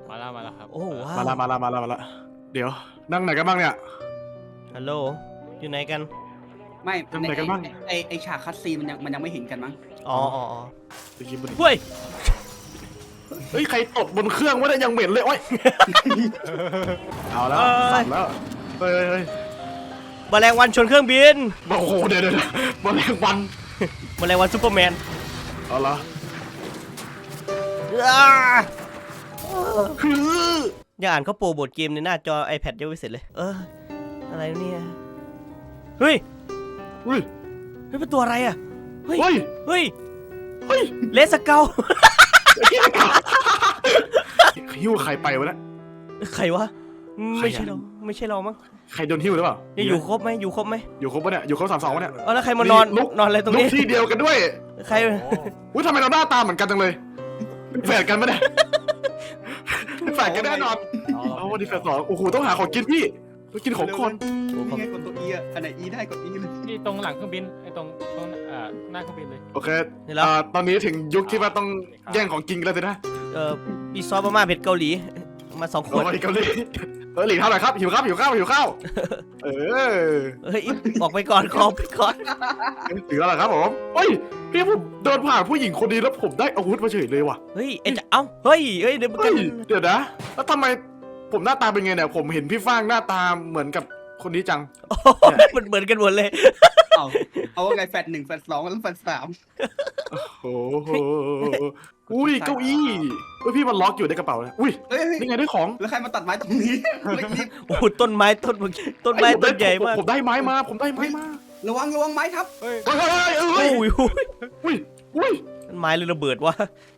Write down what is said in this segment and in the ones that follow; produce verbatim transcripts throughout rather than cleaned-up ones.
มาแล้วมาแล้วครับโอ้ว้าวมาละมาละมาละมาละเดี๋ยวนั่งไหนกันบ้างเนี่ยฮัลโหลอยู่ไหนกันไม่ทำไหนกันบ้างไอไอฉากคัสซีนมันยังมันยังไม่เห็นกันมั้งอ๋ออ๋ออ๋อไปกินบนเฮ้ยเฮ้ยใครตดบนเครื่องวะเนี่ยยังเหม็นเลยโอ้ยเอาแล้วสั่นแล้วเฮ้ยเฮ้ยแมลงวันชนเครื่องบินโอ้โหเดี๋ยวเดี๋ยวมาแรงวันแมลงวันซูเปอร์แมนเอาละอ้าคืออย่าอ่านเขาโปรโมทเกมในหน้าจอ iPad ยังไม่เสร็จเลยเอออะไรเนี่ยเฮ้ยเฮ้ยเฮ้ยเป็นตัวอะไรอ่ะเฮ้ยเฮ้ยเฮ้ยเฮ้ยเลสเกลหิ้วใครไปวะเนี่ยใครวะใครอะไม่ใช่เราไม่ใช่เรามั้งใครโดนหิ้วหรือเปล่ายังอยู่ครบไหมอยู่ครบไหมอยู่ครบปะเนี่ยอยู่ครบสามสองปะเนี่ยเออแล้วใครมานอนลุกนอนอะไรตรงลุกนี้ที่เดียวกันด้วยใครอุ้ยทำไมเราหน้าตาเหมือนกันจังเลยเป็นแฝดกันปะเนี่ยเป็นแฝดกันแน่นอนเอาวันนี้แฝดสองโอ้โหต้องหาของกินพี่ต้องกินของคนนี่ไงกดตัว E อ่ะอันไหน E ได้กด E เลยนี่ตรงหลังเครื่องบินไอ้ตรงตรงเอ่อหน้าเครื่องบินเลยโอเคอ่าตอนนี้ถึงยุคที่ว่าต้องแย่งของกินกันแล้วสินะเออมีซอสมาม่าเผ็ดเกาหลีมาสองขโอ้วดยเกาหลีเออหลีกเท่าไหร่ครับหิวข้าวหิวข้าวหิวข้าวเออเฮ้ยออกไปก่อนขอไปก่อนถึงแล้วเหรอครับผมเฮ้ยพี่ผมเดินผ่านผู้หญิงคนนี้แล้วผมได้อาวุธมาเฉยเลยว่ะเฮ้ยไอ้จะเอ้าเฮ้ยเฮ้ยเดี๋ยวมันเฮ้กัยนเดี๋ยวนะแล้วทำไมผมหน้าตาเป็นไงเนี่ยผมเห็นพี่ฟางหน้าตาเหมือนกับคนนี้จังโอ้โหมันเหมือนกันหมดเลยเอาเอาว่าไงแฟดหนึ่งแฟดสองแล้วแฟดสามโอ้โหอุ้ยเก้าอี้เฮ้ยพี่มันล็อกอยู่ในกระเป๋าเลยอุ้ยเฮ้ยเฮ้ยนี่ไงได้ของแล้วใครมาตัดไม้ตรงนี้ไม่รีบโอ้โหต้นไม้ต้นต้นไม้ต้นใหญ่มากผมได้ไม้มาผมได้ไม้มาระวังระวังไม้ทับเฮ้ยเฮ้ยเฮ้ยโอ้เฮ้ยยโอ้ยอุ้ยอุ้ยต้นไม้เลยระเบิดวะ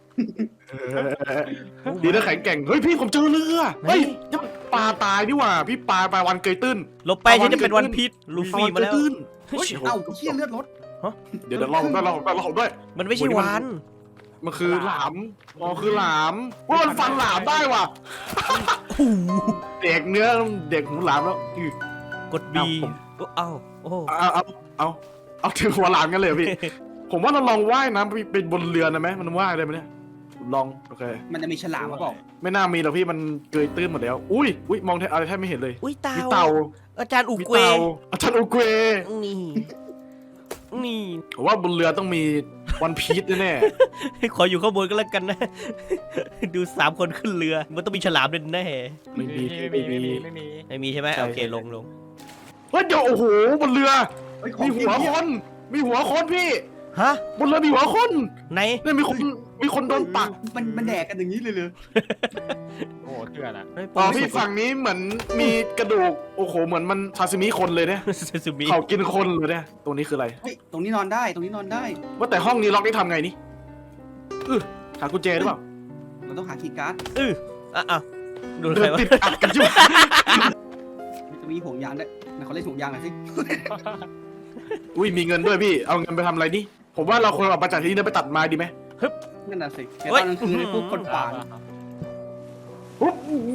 ดีนะแข็งแกร่งเฮ้ยพี่ผมเจอเรือเฮ้ยยังปลาตายนี่หว่าพี่ปลาปลาวันเกยตื้นลบไปฉันจะเป็นวันพีชลูฟี่มาแล้วปาเกยตื้นเฮ้ยเอ้าเชี่ยเลือดรถเดี๋ยวเดี๋ยวเราผมด้วยเราผมด้วยเราผมด้วยมันไม่ใช่วานมันคือหลามอ๋อคือหลามว่ามันฟันหลามได้ว่ะโอ้โหเด็กเนื้อเด็กหูหลามแล้วอือกดบีเอ้าโอ้เอาเอาเอาเอาถึงหัวหลามกันเลยพี่ ผมว่าเราลองว่ายน้ำเป็นบนเรือนะไหมมันว่ายได้ไหมเนี่ยลองโอเคมันจะมีฉลามมาบอกไม่น่ามีหรอกพี่มันเกยตื้นหมดแล้วอุ้ยอุ้ยมองแทอะไรแทบไม่เห็นเลยอุ้ยเต่ามีเต่าอาจารย์อุมีเกวเต่าอาจารย์อุเกวนี่นี่ผมว่าบนเรือต้องมีวันพีชแน่ขออยู่ข้างบนก็แล้วกันนะ ดูสามคนขึ้นเรือมันต้องมีฉลามแน่ๆไม่มีไม่มีไม่มีไม่มีไม่มีใช่ไหมโอเคลงลงเฮ้ยเดี๋ยวโอ้โหบนเรือเฮ้ยขอมีงหัวคนมีหัวคนพี่ฮะบนเรือมีหัวคนไหนเนี่ยมีคนมีคนโดนปักมันมันแดกกันอย่างนี้เลยเลยโอ้เถื่อนอ่ะอ๋อพี่ฝั่งนี้เหมือนมีกระดูกโอ้โหเหมือนมันซาซิมิคนเลยเนี่ยซาซูมิเขากินคนเลยเนี่ยตัวนี้คืออะไรเฮ้ยตรงนี้นอนได้ตรงนี้นอนได้ว่าแต่ห้องนี้ล็อกได้ทำไงนี่เออหากุญแจหรือเปล่าเราต้องหาคีย์การ์ดเอออ่ะอ่ะโดนเดิใครนวะติดอัดกันจุ๊บจะมีห่วงยางด้วยนะเขาเล่นห่วงยางหน่อยสิอุ้ยมีเงินด้วยพี่เอาเงินไปทำอะไรนี่ผมว่าเราควรออกมาจากที่นี่แล้วไปตัดไม้ดีไหมนั่นน่ะสิแต่ตอนกลางคืนพวกคนป่าปุ๊บ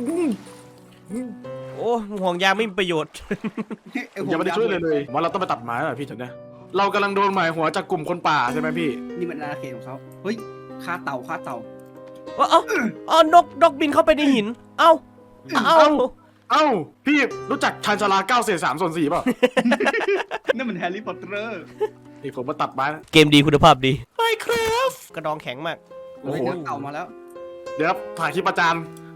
โอ้ห่วงยางไม่มีประโยชน์ไอ้ห่วยังงไม่ได้ยางช่วยเลยเลยผมว่าเราต้องไปตัดไม้แล้วพี่ถึงนะเรากำลังโดนหมายหัวจากกลุ่มคนป่าใช่ไหมพี่นี่มันอาณาเขตของเขาเฮ้ยฆ่าเต่าฆ่าเต่าเอ้าเอ้าเอ้านกนกบินเข้าไปในหิน เอ้าเอ้าเอ้าพี่รู้จักชานชาลาเก้าเศษสามส่วนสี่เปล่านั่นมันแฮร์รี่พอตเตอร์นี่ผมมาตัดไม้นะเกมดีคุณภาพดีไมครับกระดองแข็งมากโอ้โหเฮ้ยเต่ามาแล้วเดี๋ยวถ่ายคลิปประจาน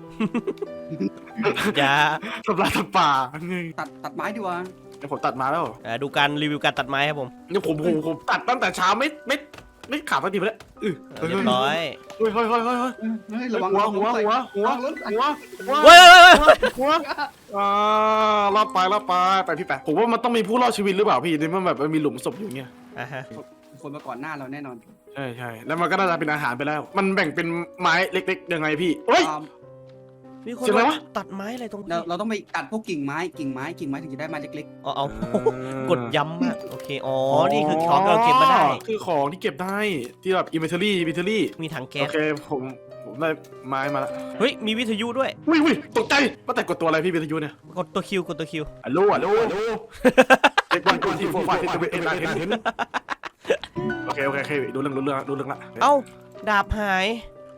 อย่าทำลายสัตว์ป่าตัดตัดไม้ดีกว่าเดี๋ยวผมตัดมาแล้วอ่าดูการรีวิวการตัดไม้ครับผมเนี่ยผมผมผมตัดตั้งแต่เช้าไม่ไม่ไม่ขาดสักทีไปแล้วอือเออเรียบร้อยเฮ้ยเฮ้ยเฮ้ยเฮ้ยเฮ้ยเฮ้ยระวังหัวหัวหัวหัวระงรถหัวหัวเว้ยเว้ยเว้ยหัวอ่ารอดไปรอดไปไปพี่แปะผมว่ามันต้องมีผู้รอดชีวิตหรือเปล่าพี่ในเมื่อแบบมันมีหลุมศพอยู่เงี้ยอ่าฮะคนมาก่อนหน้าเราแน่นอนใช่ใช่แล้วมันก็น่าจะเป็นอาหารไปแล้ว มันแบ่งเป็นไม้เล็กๆยังไงพี่เฮ้ยอ่ามีคนเสียงอะไรวะตัดไม้อะไรตรงเรานี้เราต้องไปตัดพวกกิ่งไม้กิ่งไม้กิ่งไม้ถึงจะได้ไม้เล็กอ๋อเอากดย้ำมากโอเคอ๋อนี่คือของที่เราเก็บมาได้คือของที่เก็บได้ที่แบบอินเวนทอรี่อินเวนทอรี่มีถังแก๊โอสเคผมผมได้ไม้มาแล้วเฮ้ยมีวิทยุด้วยอุ้ยอุ้ยตกใจว่าแต่กดตัวอะไรพี่วิทยุเนี่ยกดตัวคิวกดตัวคิวฮัลโหลฮัลโหลฮัลโหลเด็กวันก่อนที่โฟร์ไฟท์เอ็นไอเอ็นโอเคโอเคโอเคดูเรื่องดูเรื่องดูเรื่องละเอ้าดาบหาย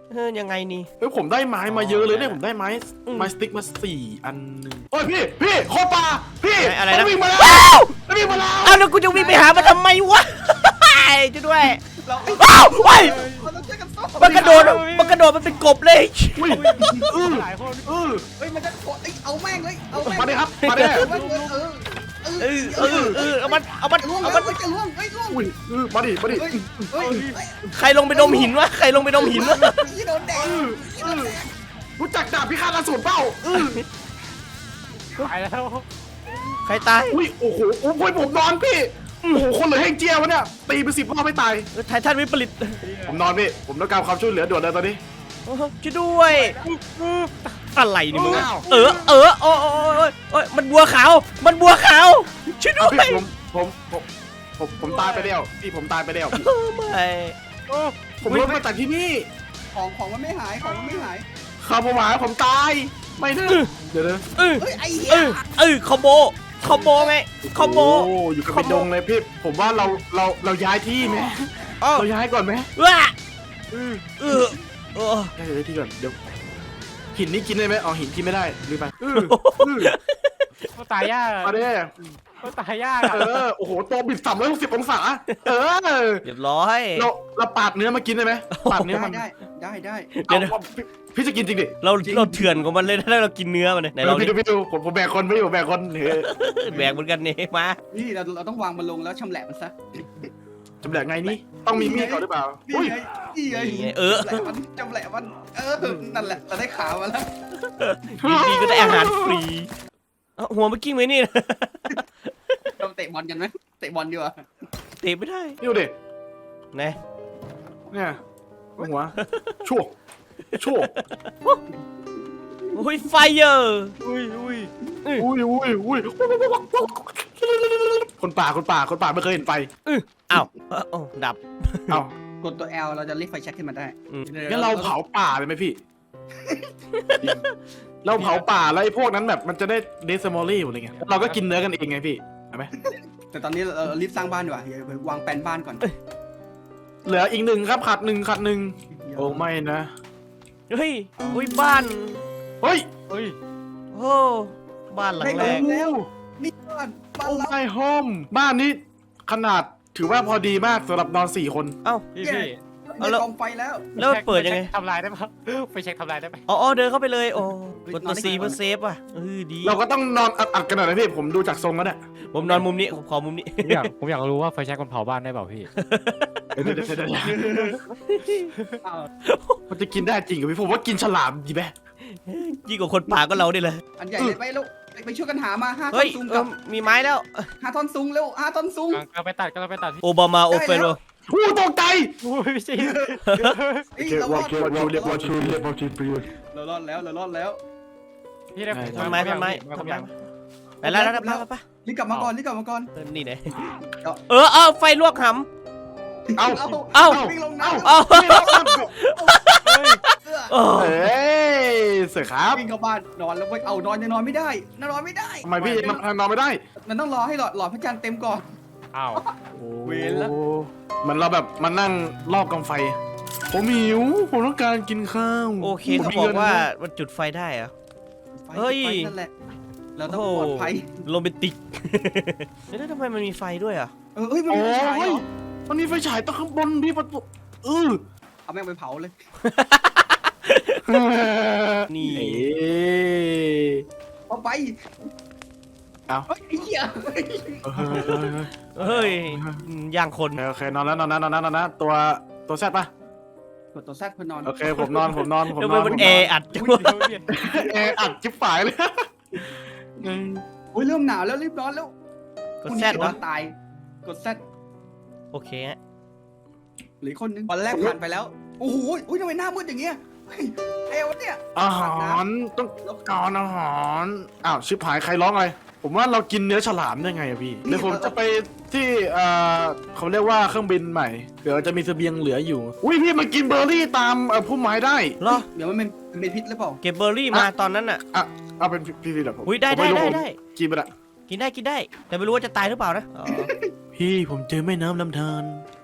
เออยังไงนี่เฮ้ยผมได้ไม้มาเยอะเลยเนี่ยผมได้ไม้อืมไม้สติ๊กมาสี่อันหนึ่งโอ้ยพี่พี่โคตรปลาพี่อะไรนะมันวิ่งมาแล้วว้าวมันวิ่งมาแล้วอ้าวแล้วกูจะวิ่งไปหามันทำไมวะจะด้วยเราอ้าวไปเราต้องช่วยกันสู้มันกระโดดมันกระโดดมันเป็นกบเลยอุ้ยเออหลายคนเออเฮ้ยมันจะเอ้ยเอาแม่งเลยเอาแม่งมาดิครับมาดิเออเออเออเออเออเออเอามันเอามันล่วงเอาแล้มัวน จะล่วงเฮ้ยล่วงอุ้ยเออมาดิมาดิเฮ้ยเฮ้ยเฮ้ยใครลงไปดมหินวะใครลงไปดมหินวะยี่โดนแดงเออเออรู้จักดาบพิฆาตอสูรเปล่าเออตายแล้วใครตายอุ้ยโอ้โหโอ้ยผมนอนพี่โอ้โหคนเหลือแห้งเจียวะเนี่ยตีไปสิบรอบไม่ตายไททันวิปริตผมนอนพี่ผมต้องการความช่วยเหลือด่วนเลยตอนนี้ช่วยด้วยอะไรนี่มึงอ้าวเออเออโอ้ยโอ้ยโอ้ยโอ้ยมันบัวขาวมันบัวขาวช่วยด้เอาวยพี่ผมผมผมผมผมตายไปแล้วพี่ผมตายไปแล้วเออไม่โอ้ผมลงมาจากที่นี่ของของมันไม่หายของมันไม่หายข้าวผมหาผมตายไม่นะเดี๋ยวนะเออเฮ้ยไอ้เหี้เอย อเออคอมโบคอมโบไงคอมโบโอ้อยู่กับเป็นดงเลยพี่ผมว่าเราเราเราย้ายที่ไหมอ้าวเราย้ายก่อนไหมว้าเออเออเออย้ายที่ก่อนเดี๋ยวหินนี่กินได้ไหมอ๋อหินกินไม่ได้ลืมไปเออเออก็ตายยากมาเด้ก็ตายยากเออโอ้โหตัวบิดสามร้อยหกสิบองศาเออเรียบร้อยเราเราปาดเนื้อมากินได้ไหมปาดเนื้อได้มันได้ได้ได้เดี๋ยวเอาพี่พี่จะกินจริงดิเราเราเถื่อนของมันเลยถ้าเรากินเนื้อมันเนี่ยไหนเราพี่ดูพี่ดูผมผมแบกคนไม่อยู่แบกคนเออแบกเหมือนกันนี่มานี่เราเราต้องวางมันลงแล้วชำแหละมันซะจำแหลกไงนี่ต้องมีมีดก่อนหรือเปล่านี่อุ้ยไงนี่ไงนี่ไงเออชำแหละมันชำแหละมันเออนั่นแหละเราได้ขาวมาแล้วดีๆก็ได้อาหารฟรีเอ้าหัวเมื่อกี้ไหมนี่นะเราเตะบอลกันไหมเตะบอลดีกว่าเตะไม่ได้นี่ดูดิไหนเนี่ยหัวชั่วชั่วโอ้ยไฟเออร์อุ้ยอุ้ยอุ้ยอุ้ยอุ้ยคนป่าคนป่าคนป่าไม่เคยเห็นไฟอ้าวเอ้าเอ้าดับเอ้ากดตัว L เราจะเรียกไฟแช็กขึ้นมาได้อืมงั้นเราเผาป่าเลยไหมพี่ เราเผาป่าแล้วไอ้พวกนั้นแบบมันจะได้เดซมอลลี่อะไรเงี้ยเราก็กินเนื้อกันเองไงพี่เห็นไหมแต่ตอนนี้เราเรารีบสร้างบ้านดีกว่าอย่าไปวางแปลนบ้านก่อนเหลืออีกหนึ่งครับขาดหนึ่งขาดหนึ่งโอ้ไม่นะเฮ้ยอุ้ยบ้านเฮ้ยเฮ้ยโอ้บ้านหลังได้แรแล้วกนี่บ้านบ้านโอ้เราไม่โฮมบ้านนี้ขนาดถือว่าพอดีมากสำหรับนอนสี่คนเอ้าพี่พี่เอาได้แล้วกองไฟแล้วแล้วมันเปิดยังไงทำลายได้ปะไปเช็คทำลายได้ไหมอ๋ออ๋อเดินเข้าไปเลยโอ้กดตัวซีเพื่อเซฟอ่ะเออดีเราก็ต้องนอนอัดๆกันหน่อยนะพี่ผมดูจากทรงแล้วเนี่ยผมนอนมุมนี้ผมขอมุมนี้ผมอยากผมอยากรู้ว่าไฟแช็กมันเผาบ้านได้เปล่าพี่เดี๋ยวเดี๋ยวเดี๋ยวเดี๋ยวอ้าวมันจะกินได้จริงเหรอพี่ผมว่ากินฉลามดีไหมยิ่งกว่าคนป่าก็เราได้เลยอันใหญ่เลยไปแล้วไปไปช่วยกันหามาห้าท่เฮ้อนยซุงเอกัอบ มีไม้แล้วห้าท่อนซุงเร็วห้าท่อนซุงกำลังไปตัดกำลังไปตัดพี่โอบามาโอเฟโรอู้ตกใจอุ้ยพี่จีเฮ้ยเรารอด What you live, what you live, what you breathe เรารอดแล้วเรารอดแล้วพี่ได้ทำไมทำไมทำไมไปแล้วแล้วไปไปรีบกลับมาก่อนรีบกลับมาก่อนนี่ไหนเออเออไฟลวกหเอาเอาเอ้าวิ่งลงน้ำำเอาเออโอ้เฮ้ยเสือครับวิ่งเข้าบ้านนอนแล้วเว้ยเอานอนยังนอนไม่ได้นอนไม่ได้ทำไมพี่ยังนอนไม่ได้มันต้องรอให้หลอดหลอดพระจันทร์เต็มก่อนอ้าวเวรละโอ้เหมือนเราแบบมานั่งรอบกองไฟ ผมหิวผมต้องการกินข้าวโอเคเขาบอกว่ามันจุดไฟได้เหรอะไฟเฮ้ยไฟนั่นแหละเราต้องปลอดภัยโรแมนติกแล้วทำไมมันมีไฟด้วยอ่ะเออเฮ้ยมันโอ้มีไฟฉายเหรยอมันมีไฟฉายตั้งข้างบนพี่ประตูเออเอาแม่งไปเผาเลยนี่เอ๊ะเอาไปเอาเฮ้ยไอ้เหี้ยเฮ้ยย่างคนโอเคนอนแล้วนอนนะนอนนะนอนนะตัวตัวแซดปะกดตัวแซดเพื่อนนอนโอเคผมนอนผมนอนผมทำนไมอนมันแออัดจังอุ้ยวะเดี๋ยวเดี๋ยวแอร์อัดจิ๊บฝ่ายเลยอุ้ยเริ่มหนาวแล้วรีบนอนแล้วกดแซดพเหรรุ่องนี้ตายกดแซดโอเคฮะหรือคนนึงวันแรกผ่านไปแล้วโอ้โหอุ้ยทำไมหน้ามืดอย่างเงี้ยเฮ้ยเอวเนี่ยอาหารต้องการอาหารอ้าวชิบหายใครร้องอะไรผมว่าเรากินเนื้อฉลามได้ไงอะพี่เดี๋ยวผมจะไปที่เอ่อเขาเรียกว่าเครื่องบินใหม่เดี๋ยวจะมีเสบียงเหลืออยู่อุ้ยพี่มากินเบอร์รี่ตามเอ่อพุ่มไม้ได้เหรอเดี๋ยวมันเป็นมันเป็นพิษหรือเปล่าเก็บเบอร์รี่มาตอนนั้นอ่ะอ่ะเอาเป็นพี่พี่เดี๋ยวผมอุ้ยได้ผมได้ม่รู้ได้ผมได้กินไปละกินได้กินได้ แต่ไม่รู้ว่าจะตายหรือเปล่านะอ๋อพี่ผมเจอแม่น้ำลำธาร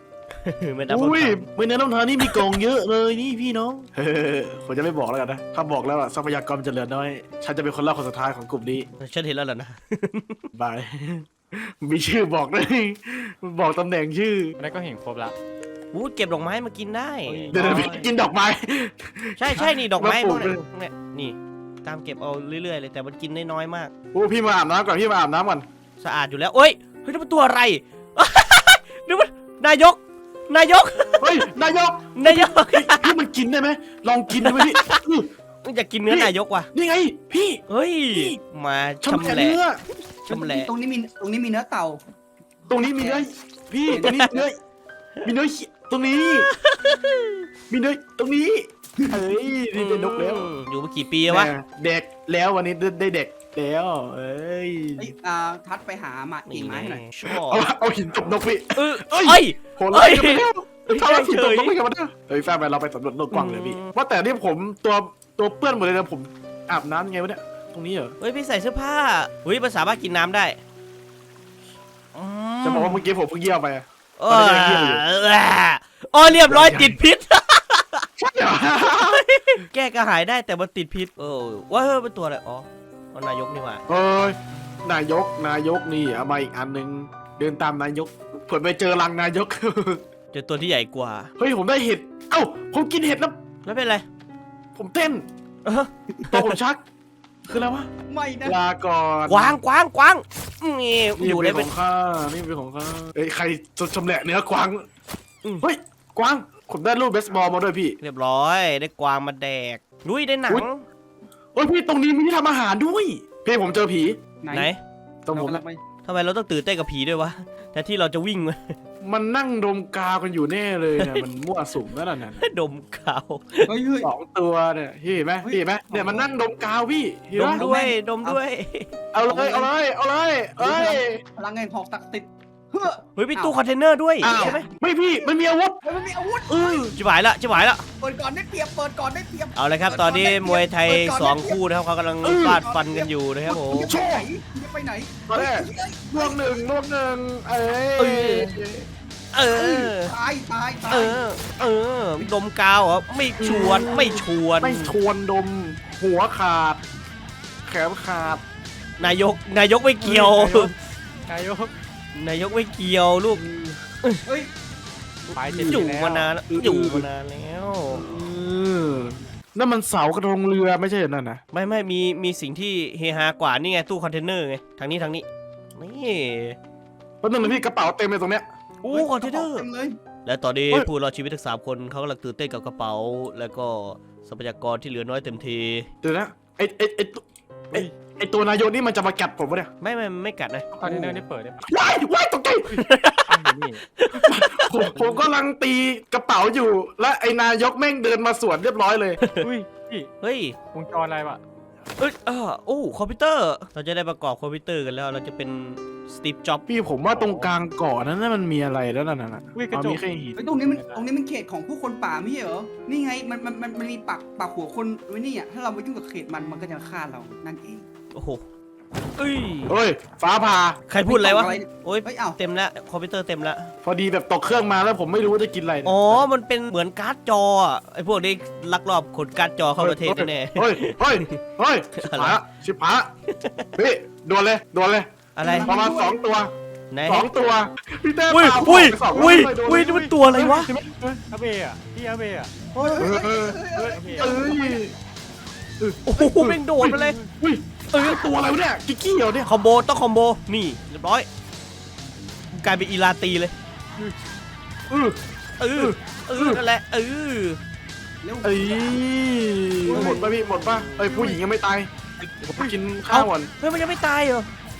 ไม่นับอุ้ยคไม่เนื้อต้องทานนี่มีกล่องเยอะเลยนี่พี่น้องเฮ้ยผมจะไม่บอกแล้วกันนะถ้าบอกแล้วอะทรัพยากรมันจะเหลือน้อยฉันจะเป็นคนเล่าคนสุดท้ายของกลุ่มนี้ำฉันเห็นแล้วเหรอนะบาย มีชื่อบอกด้วยบอกตำแหน่งชื่อแล้วก็เห็นครบละอู้เก็บดอกไม้มากินได้เดี๋ยวๆพี่กินดอกไม้ใช่ใช่นี่ดอกไม้มาปพลูวกกเนี้ยเลยพวกเนี้ยนี่ตามเก็บเอาเรื่อยๆเลยแต่มันกินได้น้อยมากโอ้พี่มาอาบน้ำก่อนพี่มาอาบน้ำก่อนสะอาดอยู่แล้วเอ้ยเฮ้ยนี่มันตัวอะไร นี่มันนายก นายกเฮ้ยนายกนายกพี่มันกินได้ไหมลองกินดูไหมพี่อื้ออยากกินเนื้อนายกว่ะนี่ไงพี่เฮ้ยพี่มาชำชำแหละแหละเนื้อชำแหละตรงนี้มีตรงนี้มีเนื้อเต่าตรงนี้มีเนื้อพี่ตรงนี้เนื้อมีเนื้อเหี้ยตรงนี้ มีเนื้อตรงนี้เฮ้ยนี่ได้นกแล้วอืมอยู่มากี่ปีวะแม่เด็กแล้ววันนี้ได้เด็กแล้วเอ้ยไอ้อ่าทัดไปหามากิ่งไม้ให้หน่อยชอบเอาเอาหินตบนกพี่เออเอ้ยเอ้ยโหไล่กันไปแล้วเฮ้ยทำอะไรหินตบนกเฉยไปกันมาเนี่ยเฮ้ยแฟนไปเราไปสำรวจโลกกว้างเลยพี่อืมว่าแต่นี่ผมตัวตัวเปื้อนหมดเลยนะผมอาบน้ำยังไงวะเนี่ยตรงนี้เหรอเฮ้ยพี่ใส่เสื้อผ้าเฮ้ยมันสามารถกินน้ำได้อืมจะบอกว่าเมื่อกี้ผมเพิ่งเยี่ยวไปเอออ๋อเรียบร้อยติดพิษใช่เหรอแก้กระหายได้แต่มันติดพิษเออว่าเฮ้ยเป็นตัวอะไรอ๋ออ๋อนายกนี่หว่าเอ้ยนายกนายกนี่เอามาอีกอันหนึ่งเดินตามนายกเผื่อไปเจอรังนายกเจอตัวที่ใหญ่กว่าเฮ้ยผมได้เห็ดเอ้าผมกินเห็ดแล้วแล้วเป็นไรผมเต้นเออตัวผมชัก คืออะไรวะไม่นะลาก่อนกวางกวางกวางนี่นี่อยู่เป็ได้นขเป็อน งข้านี่เป็นของข้าเอ้ยใครจะชำแหละเนื้อกวางอืมเฮ้ยกวางผมได้รูปเบสบอลมาด้วยพี่เรียบร้อยได้กวางมาแดกนุ้ยได้หนังอุ๊ย เฮ้ยพี่ตรงนี้มีที่ทำอาหารด้วยพี่ผมเจอผีไหนตรงผมแล้นะวไม่ทำไมเราต้องตื่นเต้นกับผีด้วยวะแต่ที่เราจะวิ่งมันนั่งดมกาวกันอยู่แน่เลยเนี่ยมันมั่วสุมนั่นน่ะดมขาวเฮ้ยเฮ้ยสองตัวเนี่ยพี่เห็นไหมเฮ้ยพี่เห็นไหมเนี่ยมันนั่งดมกาวพี่เห็นดไหมมด้วยดมด้วยเอาเลยเอาเลยเอาเลยเอ้ยพลังแห่งหอกศักดิ์สิทธิ์เฮ้อเฮ้ยมีตู้คอนเทนเนอร์ด้วยอ้าวใช่ไหมไม่พี่มันมีอาวุธเฮ้ยมันมีอาวุธเออจิบหายละจิบหายละเปิดก่อนได้เปรียบเปิดก่อนได้เปรียบเอาเลยครับ ตอนนี้มวยไทยสองคู่นะครับเขากำลังฟาดฟันกันอยู่นะครับผมจะไปไหนจะไปไหนตอนแรกเฮ้ยลวงหนึ่งลวงหนึ่งเอ้เออยเอเฮ้ยอตายตายตาเอย อ เออ ดมกาวเหรอไม่ชวนไม่ชวนไม่ชวนดมหัวขาด แขนขาดนายกนายกไม่เกี่ยวนายกนายกไม่เกี่ยวลูกเฮ้ยไปเจ็ดอยู่ปีแล้วมานานแล้วอยู่มานานแล้วเออนั่นมันเสากระทงเรือไม่ใช่เหรอนั่นนะไม่ไม่มีมีสิ่งที่เฮฮากว่านี่ไงตู้คอนเทนเนอร์ไงทางนี้ทางนี้นี่เพราะนั่นนะพี่กระเป๋าเต็มเลยตรงเนี้ยโอ้คอนเทนเนอร์ต็มเลยและตอนนี้เฮ้ยผู้รอดชีวิตทั้งสามคนเขากำลังตื่นเต้นกับกระเป๋า แล้วก็ทรัพยากรที่เหลือน้อยเต็มทีเดี๋ยวนะไอไอไอตัวไอไอตัวนายกนี่มันจะมากัดผมปะเนี่ยไม่ไม่ไม่กัดนะคอนเทนเนอร์นี่เปิดได้ไหมว้ายว้ายตกใจนี่ผมผมกำลังตีกระเป๋าอยู่ และไอนายกแม่งเดินมาสวนเรียบร้อยเลยอุ้ยพี่เฮ้ยวงจรอะไรวะเอ้ยอ่าโอ้คอมพิวเตอร์ เราจะได้ประกอบคอมพิวเตอร์กันแล้ว เราจะเป็นสตีฟจ็อบพี่ผมว่าตรงกลางเกาะนั้นน่ะมันมีอะไรแล้วนั่นน่ะอุ้ยกระอ๋อจกมีแค่หินเฮ้ยตรงนี้มันตรงนี้มันเขตของผู้คนป่าไม่ใช่เหรอ นี่ไงมันมันมันมันมีปักปักหัวคนไว้นี่อ่ะถ้าเราไปยุ่งกับเขตมันมันก็จะฆ่าเรานั่นเองโอ้โหเอ้ยเฮ้ยฟ้าผ่าใครพูดอะไรวะ โอ้ยเฮ้ยเอ้าเต็มแล้วคอมพิวเตอร์เต็มแล้วพอดีแบบตกเครื่องมาแล้วผมไม่รู้ว่าจะกินอะไรเนี่ยอ๋อ มันเป็นเหมือนการ์ดจออะไอพวกนี้ลักลอบขนการ์ดจอเข้าประเทศแน่เฮ้ยเฮ้ยเฮ้ยชิบหายละชิบหายละพี่ดวลเลยดวลเลยๆอะไรประมาณสองตัวไหนสองตัวพี่เต้อุ้ยปาอุ้ยไปสองรบอุ้ยเลโดนอุ้ยนี่มันตัวอะไรวะใช่ไหมเฮ้ยอาเบะอะพี่อาเบะอะเฮ้ยเอเฮ้ยอเอเฮ้อยเฮ้ยเอ้ยโอ้โหแม่งโดดมาเลยอุ้ยเออตัวอะไรวะเนี่ยกิ๊กกี้เหรอเนี่ยคอมโบต้องคอมโบ นี่เรียบร้อย กลายเป็นอีลาตีเลยเออเออ เออ นั่นแหละ เออเร็วเอ้ยหมดป่ะพี่หมดป่ะเอ้ยผู้หญิงยังไม่ตายเดี๋ยวผมไปกินข้าวก่อนเฮ้ย มันยังไม่ตายเหรอ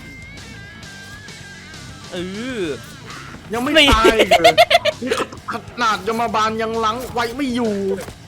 เออยังไม่นี่ตายเลยนี่ขนาดยมบาลยังล้างไว้ไม่อยู่